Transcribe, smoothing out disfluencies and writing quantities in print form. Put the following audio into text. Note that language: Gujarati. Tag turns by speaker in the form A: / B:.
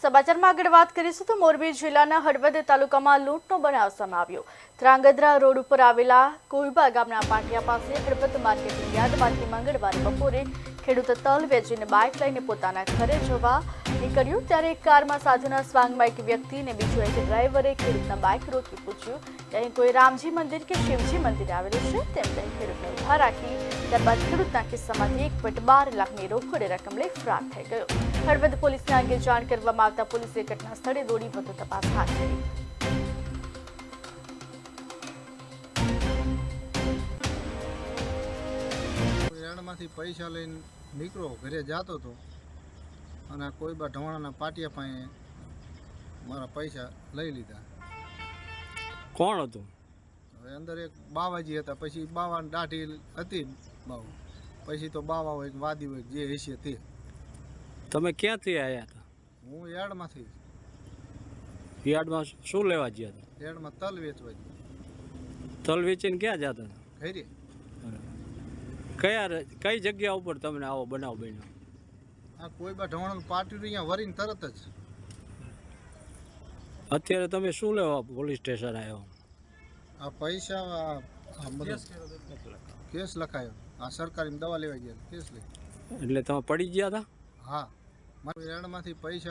A: સમાચારમાં આગળ વાત કરીશું તો મોરબી જિલ્લાના હળવદ તાલુકામાં લૂંટનો બનાવ સામે આવ્યો। ધ્રાંગધ્રા રોડ ઉપર આવેલા કોઈબા ગામના પાટિયા પાસે હળવદ માર્કેટિંગ યાર્ડમાંથી મંગળવારે બપોરે ખેડૂત તલ વેચીને બાઇક લઈને પોતાના ઘરે જવા નીકળ્યો ત્યારે એક કારમાં સાધુના સ્વાંગમાં એક વ્યક્તિ અને બીજો એક ડ્રાઈવરે ખેડૂતના બાઇક રોકી પૂછ્યું કે અહીં કોઈ રામજી મંદિર કે શિવજી મંદિર આવેલું છે તેમ કહી ખેડૂતને ઊભા રાખી ત્યારબાદ ખેડૂતના ખિસ્સામાંથી 1.12 લાખની રોકડ રકમ લઈ ફરાર થઈ ગયો। હળવદ પોલીસને અંગે જાણ કરવામાં આવતા પોલીસે ઘટના સ્થળે દોડી વધુ તપાસ હાથ ધરી।
B: યાર્ડમાંથી પૈસા લઈને નીકળો ઘરે જતો હતો અને કોઈ બા ઢવાણાના પાટિયા પાસે મારા પૈસા લઈ લીધા।
C: કોણ હતું?
B: હવે અંદર એક બાવાજી હતા, પછી બાવાની દાઢી હતી બાવ, પછી તો બાવા હોય વાદી હોય જે હશે તે।
C: તમે ક્યાંથી આવ્યા હતા?
B: હું યાર્ડમાંથી।
C: યાર્ડમાં શું લેવા ગયા હતા?
B: યાર્ડમાં તલ વેચવા ગયા।
C: તલ વેચીને ક્યાં જતા હતા?
B: ઘરે।
C: કઈ જગ્યા ઉપર તમને આવો બનાવ બન્યો?
B: આ કોઈ બા ઢવાણાનું પાટિયું અહીંયા વરીને તરત જ।
C: અત્યારે તમે શું લેવા પોલીસ સ્ટેશન આવ્યો?
B: આ પૈસા કેસ લખાયો, આ સરકારી દવા લેવા ગયા કેસ લઈ।
C: એટલે તમે પડી ગયા હતા?
B: હા, મારા યાર્ડમાંથી પૈસા